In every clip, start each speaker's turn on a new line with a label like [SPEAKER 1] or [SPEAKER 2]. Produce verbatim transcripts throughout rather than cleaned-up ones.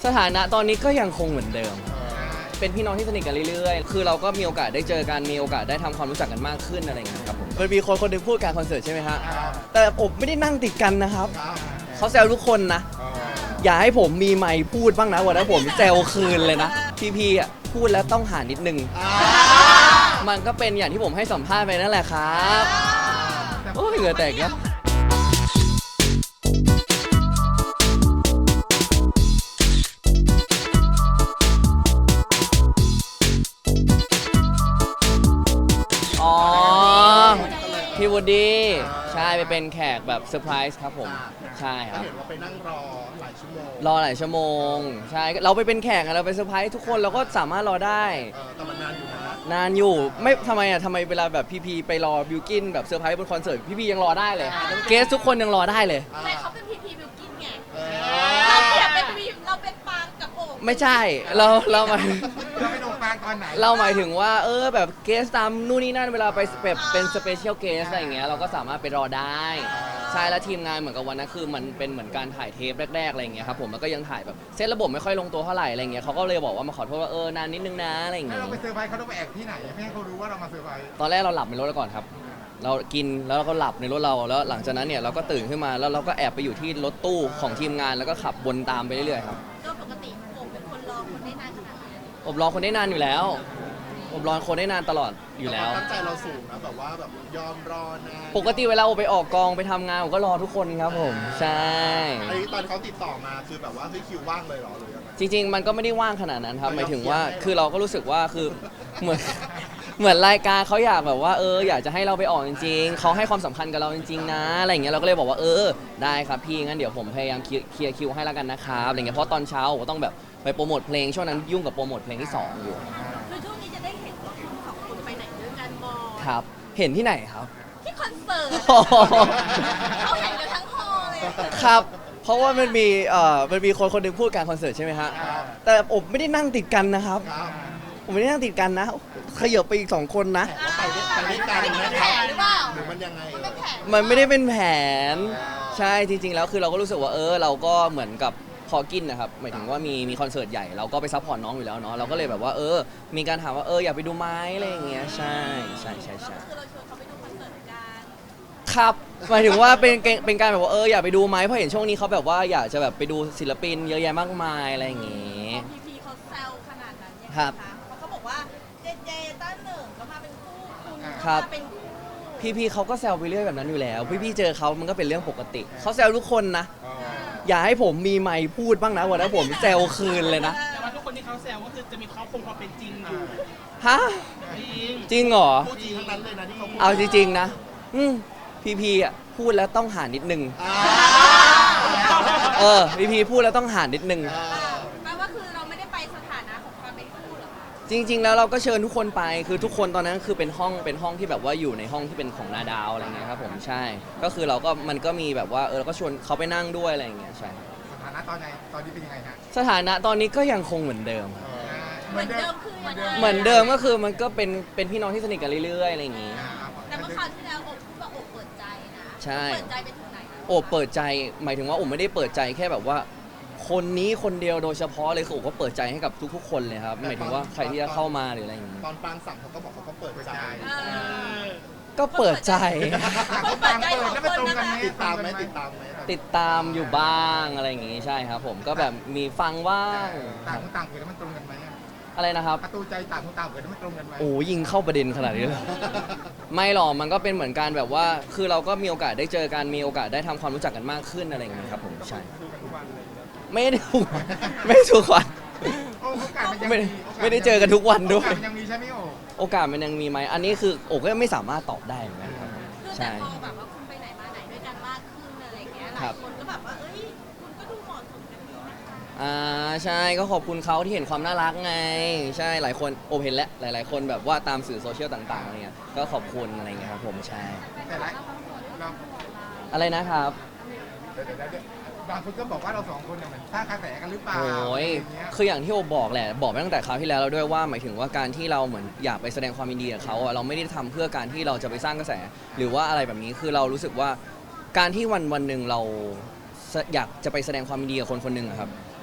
[SPEAKER 1] สถานะตอนนี้ก็ยังคงเหมือนเดิมเป็นพี่น้องที่สนิทกันเรื่อยๆคือเราก็มีโอกาสได้เจอกันมีโอกาสได้ทำความรู้จักกันมากขึ้นอะไรอย่างเงี้ยครับผมมันมีคนคนหนึงพูดการคอนเสิร์ตใช่ไหมฮะแต่ผมไม่ได้นั่งติดกันนะครับเขาแซวทุกคนนะอย่าให้ผมมีไมค์พูดบ้างนะวันนั้นผมแซวคืนเลยนะพี่ๆอ่ะพูดแล้วต้องหานิดนึงมันก็เป็นอย่างที่ผมให้สัมภาษณ์ไปนั่นแหละครับโอ้ยเหงื่อแตกแล้วอ๋อพี่วูดดี้ใช่ไปเป็นแขกแบบเซอร์ไพรส์ครับผมใช่ครับ
[SPEAKER 2] เห็นว่าไปนั่งรอหลายชั่วโมง
[SPEAKER 1] รอหลายชั่วโมงใช่เราไปเป็นแขกเราไปเซอร์ไพรส์ทุกคนเราก็สามารถรอได้
[SPEAKER 2] แต่มันนานอยู่นะ
[SPEAKER 1] นานอยู่ไม่ทำไมอ่ะทำไมเวลาแบบพีพีไปรอบิวกินแบบเซอร์ไพรส์บนคอนเสิร์ตพีพียังรอได้เลยเกสทุกคนยังรอได้เลย
[SPEAKER 3] แต่เขาเป็นพีพีบิวกินไงเราเปรียบเป็นวีเราเป็นปางกับโอ่ง
[SPEAKER 1] ไม่ใช่เราเราหมาย
[SPEAKER 2] เราไปโดนปางตอนไหน
[SPEAKER 1] เราหมายถึงว่าเออแบบเกสตามนู่นนี่นั่นเวลาไปแบบเป็นสเปเชียลเกสอะไรอย่างเงี้ยเราก็สามารถไปรอได้ใช่แล้วทีมงานเหมือนกับวันนั้นคือมันเป็นเหมือนการถ่ายเทปแรกๆอะไรอย่างเงี้ยครับผมมันก็ยังถ่ายแบบเซตระบบไม่ค่อยลงตัวเท่าไหร่อะไรอย่างเงี้ยเขาก็เลยบอกว่ามาขอโทษว่าเออนานนิดนึงนะอะไรอย่างเงี้ย
[SPEAKER 2] เราไปเซอร์ไพรส์เขาต้องไปแอบที่ไหนไม่ให้เขารู้ว่าเรามาเซอร์ไพรส์
[SPEAKER 1] ตอนแรกเราหลับในรถก่อนครับเรากินแล้วเราก็หลับในรถเราแล้วหลังจากนั้นเนี่ยเราก็ตื่นขึ้นมาแล้วเราก็แอบไปอยู่ที่รถตู้ของทีมงานแล้วก็ขับวนตามไปเรื่อยๆครับ
[SPEAKER 3] ก็ปกติโอ่งเป็นคนรอคนได้นานขนาดไหน
[SPEAKER 1] อบรอคนได้นานอยู่แล้วอบรอคนได้นานตลอดอยู่แล้ว
[SPEAKER 2] ตั้งใจเราสูงนะแบบว่าแบบยอมรอนาน
[SPEAKER 1] ปกติเวลาผมไปออกกองไปทำงานผมก็รอทุกคนครับผมใช่
[SPEAKER 2] ไอ้ตอนเขาติดต่อมาคือแบบว่าเฮ้ยคิวว่างเลยเหรอหรือยังไง
[SPEAKER 1] จริงๆมันก็ไม่ได้ว่างขนาดนั้นครับหมายถึงว่าคือเราก็รู้สึกว่าคือเหมือนเหมือนรายการเขาอยากแบบว่าเอออยากจะให้เราไปออกจริงๆเขาให้ความสำคัญกับเราจริงๆนะอะไรอย่างเงี้ยเราก็เลยบอกว่าเออได้ครับพี่งั้นเดี๋ยวผมพยายามเคลียร์คิวให้แล้วกันนะครับอะไรเงี้ยเพราะตอนเช้าผมต้องแบบไปโปรโมทเพลงช่วงนั้นยุ่งกับโปรโมทเพลงที่สองอยู่
[SPEAKER 3] คือช่วงนี้จะได้เห็นว่าคุณสองคนไปไหนด้วยกันบ่อย
[SPEAKER 1] ครับเห็นที่ไหนครับ
[SPEAKER 3] ที่คอนเสิร์ตเขาเห็นกันทั้งฮอลเลย
[SPEAKER 1] ครับเพราะว่ามันมีเอ่อมันมีคนคนหนึงพูดการคอนเสิร์ตใช่ไหมฮะแต่ผมไม่ได้นั่งติดกันนะครับผมไม่ได้นั่งติดกันนะขยับไปอีกสองคนนะ
[SPEAKER 2] ไปด้วยไปด้วยกันนะครับหรือมันยังไง
[SPEAKER 1] มันไม่ได้เป็นแผนใช่จริงๆแล้วคือเราก็รู้สึกว่าเออเราก็เหมือนกับพอกินนะครับหมายถึงว่ามีมีคอนเสิร์ตใหญ่เราก็ไปซัพพอร์ตน้องอยู่แล้วเนาะเราก็เลยแบบว่าเออมีการถามว่าเอออยากไปดูไหมอะไรอย่างเงี้ยใช่ใช่ใช่ใช่
[SPEAKER 3] คือเราชวนเขาไปดูคอนเสิร์ตกัน
[SPEAKER 1] ครับหมายถึงว่าเป็นเป็นการแบบว่าเอออยากไปดูไหมเพราะเห็นช่วงนี้เขาแบบว่าอยากจะแบบไปดูศิลปินเยอะแยะมากมายอะไรอย่างเงี้ย
[SPEAKER 3] พีพีเขาแซวขนาดนั้นยังไง
[SPEAKER 1] คะ
[SPEAKER 3] เพราะเขาบอกว่าเจเจต้าหนึ่งก็มาเป็นคู่คุณ
[SPEAKER 1] ก็
[SPEAKER 3] มาเป็นคู่
[SPEAKER 1] พี่ๆเขาก็แซวไปเรื่อยแบบนั้นอยู่แล้วพี่ๆเจอเขามันก็เป็นเรื่องปกติเขาแซวทุกคนนะอย่าให้ผมมีไมค์พูดบ้างนะวันนั้นผมแซวคืนเลยนะ
[SPEAKER 4] แต่ว่าทุกคนที่เขาแซวก็คือจะมีเขาคงความเป็นจริงอยู่
[SPEAKER 1] ฮะจริงเหรอ
[SPEAKER 2] จริงทั้งนั้นเลยนะที่เขาพูด
[SPEAKER 1] เอาจริงๆนะอืมพี่ๆอ่ะพูดแล้วต้องหานิดนึงเออพี่ๆพูดแล้วต้องหานิดนึง
[SPEAKER 3] แปลว่าคือเราไม่ได้ไปสถานะของความเป็นคู่หรอ
[SPEAKER 1] จริงๆแล้วเราก็เชิญทุกคนไปคือทุกคนตอนนั้นคือเป็นห้องเป็นห้องที่แบบว่าอยู่ในห้องที่เป็นของนาดาวอะไรเงี้ยครับผมใช่ก็คือเราก็มันก็มีแบบว่าเออเราก็ชวนเขาไปนั่งด้วยอะไรอย่างเงี้ยใช่
[SPEAKER 2] สถานะตอนไหนตอนนี้เป็นยังไงฮะ
[SPEAKER 1] สถานะตอนนี้ก็ยังคงเหมือนเดิม
[SPEAKER 3] เหมือนเดิมคือ
[SPEAKER 1] เหมือนเดิมก็คือมันก็เป็นเป็นพี่น้องที่สนิทกันเรื่อยๆอะไรอย่างงี้
[SPEAKER 3] แต่เมื่อคราวที่แล้วโอบพูดว่าโอบเปิดใจนะ
[SPEAKER 1] ใช่
[SPEAKER 3] เปิดใจไปถึงไหน
[SPEAKER 1] โอบเปิดใจหมายถึงว่าโอบไม่ได้เปิดใจแค่แบบว่าคนนี้คนเดียวโดยเฉพาะเลยคือโอบก็เปิดใจให้กับทุกๆคนเลยครับหมายถึงว่าใครที่จะเข้ามาหรืออะไรอย่างงี้
[SPEAKER 2] ตอนปางสั่งเขาก็บอกเขาก็เปิดใจ
[SPEAKER 1] ก็เปิดใจ
[SPEAKER 3] เขาเปิดใจของคนนะ
[SPEAKER 2] ติดตามไหมติดตามไหม
[SPEAKER 1] ติดตามอยู่บ้างอะไรอย่างงี้ใช่ครับผมก็แบบมีฟังว่าง
[SPEAKER 2] ต่างคนต่างเกิดแล้วมันตรงกันไหม
[SPEAKER 1] อะไรนะครับ
[SPEAKER 2] ประตูใจต่างคนต่างเกิดแล้วมันตรงกันไหม
[SPEAKER 1] โอ้ยิงเข้าประเด็นขนาดนี้เลยไม่หรอกมันก็เป็นเหมือนการแบบว่าคือเราก็มีโอกาสได้เจอกันมีโอกาสได้ทำความรู้จักกันมากขึ้นอะไรอย่างเงี้ยครับผมใช่ไม่ได้ทุกไม่ได้ทุกวันไม่ได้ไม่ได้เจอกันทุกวันด้วย
[SPEAKER 2] ยังมีใช่ไหมโอ
[SPEAKER 1] โอกาสมันยังมีไหมอันนี้คือโอก็ไม่สามารถตอบได้เหมือนกันครับ
[SPEAKER 3] ใช่พอแบบว่าคุณไปไหนมาไหนด้วยกันมากขึ้นอะไรอย่างเงี้ยหลายคนก็แบบว่าเอ้ยคุณก็ดูเหมาะสมกันดีนะคะ
[SPEAKER 1] อ่าใช่ก็ขอบคุณเขาที่เห็นความน่ารักไงใช่หลายคนโอเห็นแล้วหลายๆคนแบบว่าตามสื่อโซเชียลต่างๆอะไรเงี้ยก็ขอบคุณอะไรเงี้ยครับผมใช่
[SPEAKER 2] แต่ละ
[SPEAKER 1] อะไรนะครับ
[SPEAKER 2] บางคนก็บอกว่าเราสองคนเนี่ยเหมือนสร้างกระแสกันหรือเปล่า
[SPEAKER 1] โอ้ยคืออย่างที่โอบอกแหละบอกไปตั้งแต่คราวที่แล้วแล้วด้วยว่าหมายถึงว่าการที่เราเหมือนอยากไปแสดงความยินดีกับเขาเราไม่ได้ทำเพื่อการที่เราจะไปสร้างกระแสหรือว่าอะไรแบบนี้คือเรารู้สึกว่าการที่วันวันหนึ่งเราอยากจะไปแสดงความยินดีกับคนคนหนึ่งครับ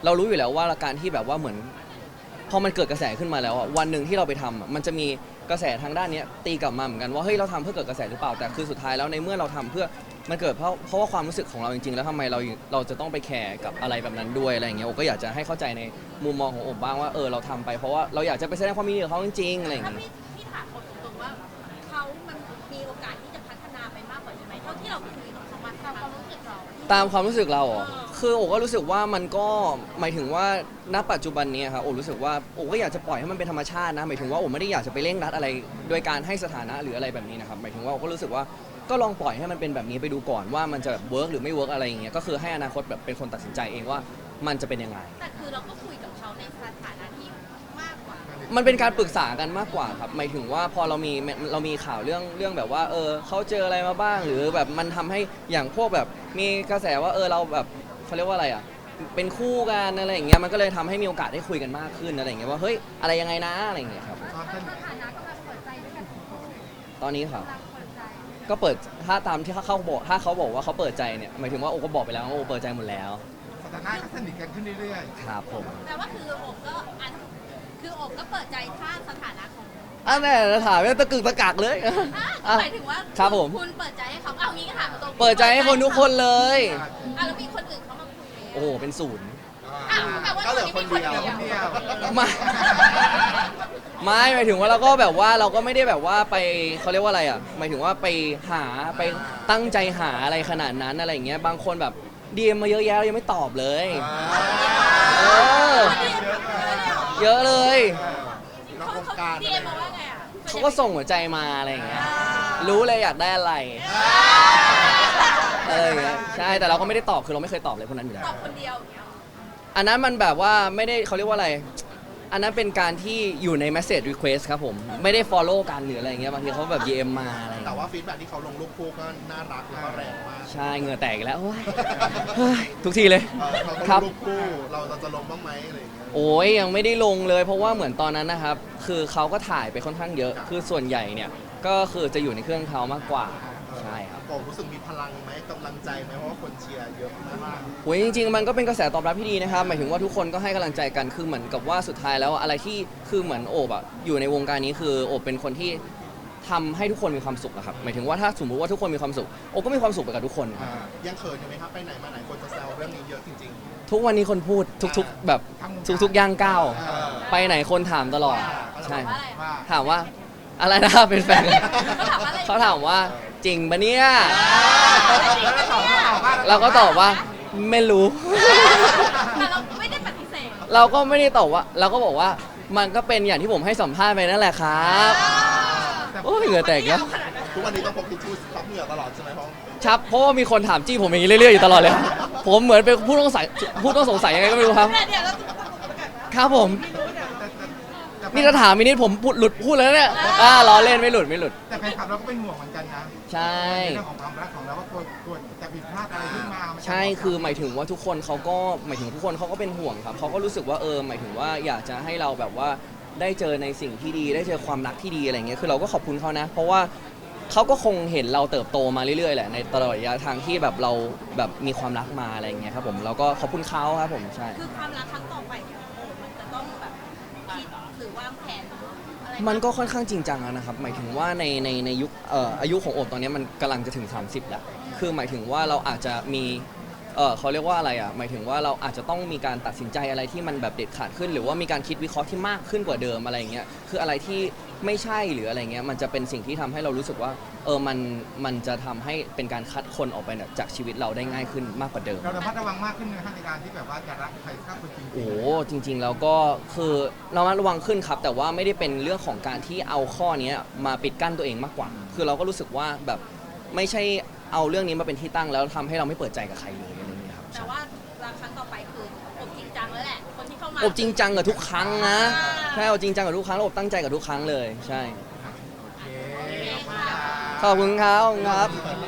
[SPEAKER 1] เรารู้อยู่แล้วว่าการที่แบบว่าเหมือนพอมันเกิดกระแสขึ้นมาแล้วอะวันหนึ่งที่เราไปทำอะมันจะมีกระแสทางด้านเนี้ยตีกลับมาเหมือนกันว่าเฮ้ยเราทำเพื่อเกิดกระแสหรือเปล่าแต่คือสุดท้ายแล้วในเมื่อเราทำเพื่อมันเกิดเพราะเพราะว่าความรู้สึกของเราจริงๆแล้วทำไมเราเราจะต้องไปแคร์กับอะไรแบบนั้นด้วยอะไรอย่างเงี้ยโอก็อยากจะให้เข้าใจในมุมมองของโอบบ้างว่าเออเราทำไปเพราะว่าเราอยากจะไปแสดงความยินดีกับเขาจริงๆอะไรอย่าง
[SPEAKER 3] ถ้า
[SPEAKER 1] เงี้ย
[SPEAKER 3] พี่พี่ถามคนตรงๆว่าเขามันมีโอกาสที่จะพัฒนาไปมากกว่านี้ไหมเท่าที่เราคุยกับเขามาตามความรู้สึกเรา
[SPEAKER 1] ตามความรู้สึกเราเหรอคือโอก็รู้สึกว่ามันก็หมายถึงว่าณปัจจุบันนี้ครับโอรู้สึกว่าโอก็อยากจะปล่อยให้มันเป็นธรรมชาตินะหมายถึงว่าโอไม่ได้อยากจะไปเร่งรัดอะไรโดยการให้สถานะหรืออะไรแบบนี้นะครับหมายถึงว่าโอก็รู้สึกว่าก็ลองปล่อยให้มันเป็นแบบนี้ไปดูก่อนว่ามันจะเวิร์กหรือไม่เวิร์กอะไรอย่างเงี้ยก็คือให้อนาคตแบบเป็นคนตัดสินใจเองว่ามันจะเป็นยังไง
[SPEAKER 3] แต่คือเราก็คุยกับเขาในสถานะที่มากกว่า
[SPEAKER 1] มันเป็นการปรึกษากันมากกว่าครับหมายถึงว่าพอเรามีเรามีข่าวเรื่องเรื่องแบบว่าเออเขาเจออะไรมาบ้างหรือแบบมันทำให้อย่างพวกแบบมีกระแสว่าเออเราแบบเขาเรียกว่าอะไรอ่ะเป็นคู่กันอะไรอย่างเงี้ยมันก็เลยทำให้มีโอกาสได้คุยกันมากขึ้นอะไรอย่างเงี้ยว่าเฮ้ยอะไรยังไงนะอะไรอย่างเงี้ยครับ
[SPEAKER 2] ความสนิท
[SPEAKER 3] สถานะกำลังเปิดใจด้วยกัน
[SPEAKER 1] ตอนนี้ครับ
[SPEAKER 3] กำลังเปิดใจ
[SPEAKER 1] ก็เปิดถ้าตามที่เขาบอกถ้าเขาบอกว่าเขาเปิดใจเนี่ยหมายถึงว่าโอก็บอกไปแล้วว่าโอเปิดใจหมดแล้ว
[SPEAKER 2] สถานะก็สนิทกันขึ้นเรื่อย
[SPEAKER 1] ครับผม
[SPEAKER 3] แต่ว่าคือโอบก็อันคือโอบก็เปิดใจถ้าสถานะของ
[SPEAKER 1] อันนี้ถามเนี่ยตะกึกตะกักเลย
[SPEAKER 3] อ่ะหมายถึงว่า
[SPEAKER 1] ครับผม
[SPEAKER 3] คุณเปิดใจให้เขาเอางี้ก็ถามตรงๆ
[SPEAKER 1] เปิดใจให้คนทุกคนเลย
[SPEAKER 3] อ่ะแล้วมีคนอื่นเขามาคุยไหม
[SPEAKER 1] โอ้โหเป็นศูนย์
[SPEAKER 3] อ่ะแปลว่า
[SPEAKER 5] ก็เหลือคนเดียว
[SPEAKER 3] ตอน
[SPEAKER 2] ๆ
[SPEAKER 3] นี้
[SPEAKER 2] คน
[SPEAKER 3] มี
[SPEAKER 2] เดียว
[SPEAKER 1] ไม่ไม่หมายถึงว่าเราก็แบบว่าเราก็ไม่ได้แบบว่าไปเขาเรียกว่าอะไรอ่ะหมายถึงว่าไปหาไปตั้งใจหาอะไรขนาดนั้นอะไรอย่างเงี้ยบางคนแบบดีมมาเยอะแยะเรายังไม่ตอบเลยเออเยอะเลย
[SPEAKER 5] นอก
[SPEAKER 3] เขา
[SPEAKER 5] วง
[SPEAKER 3] เขา
[SPEAKER 5] การ
[SPEAKER 3] ดีเอ็มมาว่าไงอ่ะ
[SPEAKER 1] เขาก็ส่งหัวใจมาอะไรอย่างเงี้ยรู้เลยอยากได้อะไรอะไรอย่างเงี้ยใช่แต่เราก็ไม่ได้ตอบคือเราไม่เคยตอบเลยพวกนั้นอยู่แล้
[SPEAKER 3] ต
[SPEAKER 1] ว
[SPEAKER 3] อบคนเดียวอย่างเงี้ย
[SPEAKER 1] อันนั้นมันแบบว่าไม่ได้เขาเรียกว่าอะไร อันนั้นเป็นการที่อยู่ใน message request ครับผม ไม่ได้ follow กันหรืออะไรอย่างเงี้ย บางทีเขาแบบ ดี เอ็ม มาอะไรอย่าง
[SPEAKER 5] แต่
[SPEAKER 1] เงี้ย
[SPEAKER 5] ว่าฟีดแบ็กที่เขาลงรูปคู่ก็น่ารักแล้วก็แรงมาก
[SPEAKER 1] ใช่ เหงื่อแตกอีกแล้วโอ้ยเฮ้ยทุกทีเลย
[SPEAKER 5] เออเขาก็
[SPEAKER 1] ครับ
[SPEAKER 5] รูปคู่เราเราจะลงบ้างไหมอะไรอย่างเงี้ย
[SPEAKER 1] โอ้ยยังไม่ได้ลงเลย เพราะว่าเหมือนตอนนั้นนะครับ คือเขาก็ถ่ายไปค่อนข้างเยอะ คือส่วนใหญ่เนี่ย ก็คือจะอยู่ในเครื่องเขามากกว่า ใช่ครับ
[SPEAKER 5] ผมรู้สึกมีพลังไหมกำลังใจไหมเพราะว่าคนเชียร์เยอะมาก
[SPEAKER 1] โอ้ยจริงๆมันก็เป็นกระแสตอบรับที่ดีนะครับหมายถึงว่าทุกคนก็ให้กำลังใจกันคือเหมือนกับว่าสุดท้ายแล้วอะไรที่คือเหมือนโอบอะอยู่ในวงการนี้คือโอบเป็นคนที่ทำให้ทุกคนมีความสุขอะครับหมายถึงว่าถ้าสมมุติว่าทุกคนมีความสุขโอบก็มีความสุขไปกับทุกคนครับ
[SPEAKER 5] ๆยังเขินอยู่ไหมครับไปไหนมาไหนคนจะแซวเรื่องนี้เยอะจริง
[SPEAKER 1] ทุกวันนี้คนพูดทุกๆ แบบทุกๆย่างก้าว
[SPEAKER 5] ๆเออ
[SPEAKER 1] ไปไหนคนถามตลอดใช่
[SPEAKER 3] ว่าอะไร
[SPEAKER 2] ว่า
[SPEAKER 1] ถามว่าอะไรนะเป็นแฟน
[SPEAKER 3] เขาถามว่าอะไร
[SPEAKER 1] เขาถามว่าจริงปะเนี่ย
[SPEAKER 2] แล้วเราตอบว่า
[SPEAKER 1] เราก็ตอบว่าไม่รู้
[SPEAKER 3] แต่เราไม่ได้ปฏิเสธ
[SPEAKER 1] เราก็ไม่ได้ตอบว่า เราก็บอกว่ามันก็เป็นอย่างที่ผมให้สัมภาษณ์ไปนั่นแหละครับโอ้ยเหงื่อแตกแล้ว
[SPEAKER 5] ทุกวันนี้ต้องพกทิชชู่ซับเหงื่อตลอดใช่ไหมเพราะ
[SPEAKER 1] ครับเพราะว่ามีคนถามจี้ผมอย่างนี้เรื่อยๆอยู่ตลอดเลย ผมเหมือนเป็นผู้ต้องสงสัยผู้ต้องสงสัยยังไงก็ไม่รู้ครับ
[SPEAKER 3] แต่เดี๋ยวเราจะประกาศว่า
[SPEAKER 1] ครับผม
[SPEAKER 2] แต่แต่แต่
[SPEAKER 1] นี่ถ้าถามมินิดผมพูดหลุดพูดแล้วเนี่ยอ่าล้อเล่นไม่หลุดไม่หลุด
[SPEAKER 2] แต่แฟนคลับเราก็เป็นห่วงเหมือนกันนะ
[SPEAKER 1] ใช่
[SPEAKER 2] ในเรื่องของความรักของเราว่าตัวตัวจะผิดพลาดอะไรขึ้นมามันจะ
[SPEAKER 1] ใช่คือหมายถึงว่าทุกคนเขาก็หมายถึงทุกคนเขาก็เป็นห่วงครับเขาก็รู้สึกว่าเออหมายถึงว่าอยากจะให้เราแบบว่าได้เจอในสิ่งที่ดีได้เจอความรักที่ดีอะไรเงี้ยคือเราก็ขอบคุณเขานะ เพราะว่าเขาก็คงเห็นเราเติบโตมาเรื่อยๆแหละในตลอดระยะทางที่แบบเราแบบมีความรักมาอะไรเงี้ยครับผมเราก็ขอบคุณเขาครับผมใช่
[SPEAKER 3] คือความรักครั้งต่อไปของโอบมันจะต้องแบบคิดหรือวางแผนอะไร
[SPEAKER 1] มันก็ค่อนข้างจริงจังแล้วนะครับ หมายถึงว่าในในในยุคเอ่ออายุของโอบตอนนี้มันกำลังจะถึง สามสิบ แล้ว คือหมายถึงว่าเราอาจจะมีเออเขาเรียกว่าอะไรอ่ะ หมายถึงว่าเราอาจจะต้องมีการตัดสินใจอะไรที่มันแบบเด็ดขาดขึ้น หรือว่ามีการคิดวิเคราะห์ที่มากขึ้นกว่าเดิมอะไรอย่างเงี้ย คืออะไรที่ไม่ใช่หรืออะไรเงี้ย มันจะเป็นสิ่งที่ทำให้เรารู้สึกว่าเออมันมันจะทำให้เป็นการคัดคนออกไปเนี่ยจากชีวิตเราได้ง่ายขึ้นมากกว่าเดิม
[SPEAKER 2] เราระมัดระวังมากขึ้นในในการที่แบบว่าจะรักใครสักคนจริงๆ
[SPEAKER 1] โอ้จริง ๆ แล้วก็คือเรามาระวังขึ้นครับ แต่ว่าไม่ได้เป็นเรื่องของการที่เอาข้อนี้มาปิดกั้นตัวเองมากกว่า คือเราก็รู้สึกว่าแบบไม่ใช่เอาเรื่องนี้มาเป็นที่ตั้งแล้วทำให้เราไม่เปิดใจกับใครเลยอะไรอย่างเงี้ยครับ
[SPEAKER 3] แต่ว่ารักครั้งต่อไปคืออบจริงจังแล้วแหละ คนที่เข้ามา
[SPEAKER 1] อบจริงจังกับทุกครั้งนะใช่อบจริงจังกับทุกครั้งแล้วอบตั้งใจกับทุกครั้งเลยใช่
[SPEAKER 2] โอเคขอบคุณครับ
[SPEAKER 1] ขอบคุณครับขอบคุณครับ
[SPEAKER 2] ขอบคุณ